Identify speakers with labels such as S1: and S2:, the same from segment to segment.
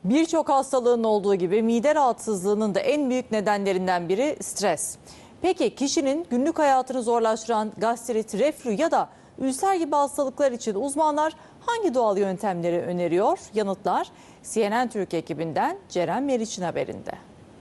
S1: Birçok hastalığın olduğu gibi mide rahatsızlığının da en büyük nedenlerinden biri stres. Peki kişinin günlük hayatını zorlaştıran gastrit, reflü ya da ülser gibi hastalıklar için uzmanlar hangi doğal yöntemleri öneriyor? Yanıtlar CNN Türk ekibinden Ceren Meriç'in haberinde.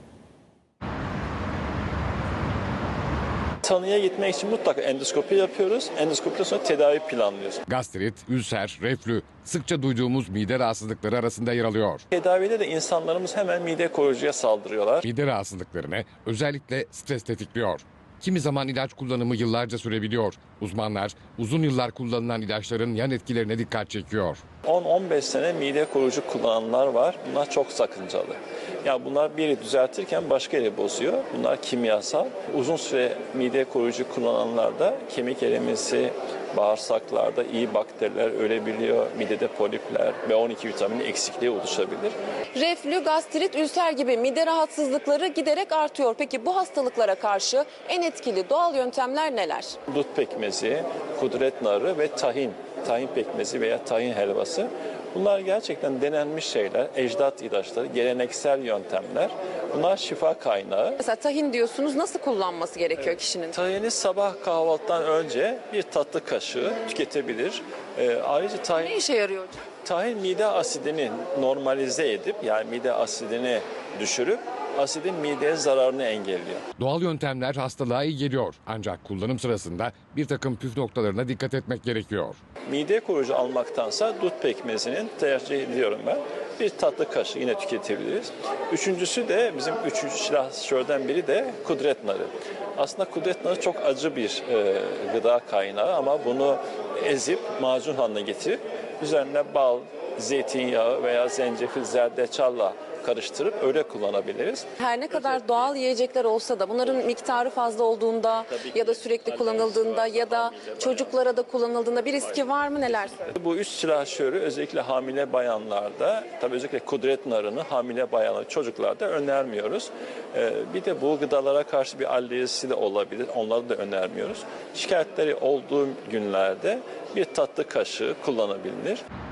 S2: Tanıya gitmek için mutlaka endoskopi yapıyoruz. Endoskopiden sonra tedavi planlıyoruz.
S3: Gastrit, ülser, reflü sıkça duyduğumuz mide rahatsızlıkları arasında yer alıyor.
S2: Tedavide de insanlarımız hemen mide koruyucuya saldırıyorlar.
S3: Mide rahatsızlıklarını özellikle stres tetikliyor. Kimi zaman ilaç kullanımı yıllarca sürebiliyor. Uzmanlar uzun yıllar kullanılan ilaçların yan etkilerine dikkat çekiyor.
S2: 10-15 sene mide koruyucu kullananlar var. Bunlar çok sakıncalı. Ya bunlar biri düzeltirken başka yeri bozuyor. Bunlar kimyasal. Uzun süre mide koruyucu kullananlarda kemik erimesi, bağırsaklarda iyi bakteriler ölebiliyor. Midede polipler, B12 vitamini eksikliği oluşabilir.
S4: Reflü, gastrit, ülser gibi mide rahatsızlıkları giderek artıyor. Peki bu hastalıklara karşı en etkili doğal yöntemler neler?
S2: Dut pekmezi, kudret narı ve tahin. Tahin pekmezi veya tahin helvası. Bunlar gerçekten denenmiş şeyler, ecdat ilaçları, geleneksel yöntemler. Bunlar şifa kaynağı.
S4: Mesela tahin diyorsunuz, nasıl kullanması gerekiyor kişinin?
S2: Tahini sabah kahvaltıdan önce bir tatlı kaşığı tüketebilir. Ayrıca
S4: Ne işe yarıyor hocam?
S2: tahin mide asidini normalize edip yani mide asidini düşürüp asidin mideye zararını engelliyor.
S3: Doğal yöntemler hastalığa iyi geliyor. Ancak kullanım sırasında bir takım püf noktalarına dikkat etmek gerekiyor.
S2: Mide koruyucu almaktansa dut pekmezinin tercih ediyorum ben. Bir tatlı kaşığı yine tüketebiliriz. Üçüncüsü de bizim üçüncü silahşörden biri de kudret narı. Aslında kudret narı çok acı bir gıda kaynağı ama bunu ezip macun haline getirip üzerine bal, zeytinyağı veya zencefil, zerdeçalla karıştırıp öyle kullanabiliriz.
S4: Her ne kadar doğal yiyecekler olsa da bunların miktarı fazla olduğunda ya da sürekli kullanıldığında ya da çocuklara da kullanıldığında bir riski var mı, neler?
S2: Bu üç silahşörü özellikle hamile bayanlarda, tabii özellikle kudret narını hamile bayanlar, çocuklarda önermiyoruz. Bir de bu gıdalara karşı bir alerjisi de olabilir. Onları da önermiyoruz. Şikayetleri olduğu günlerde bir tatlı kaşığı kullanabilir.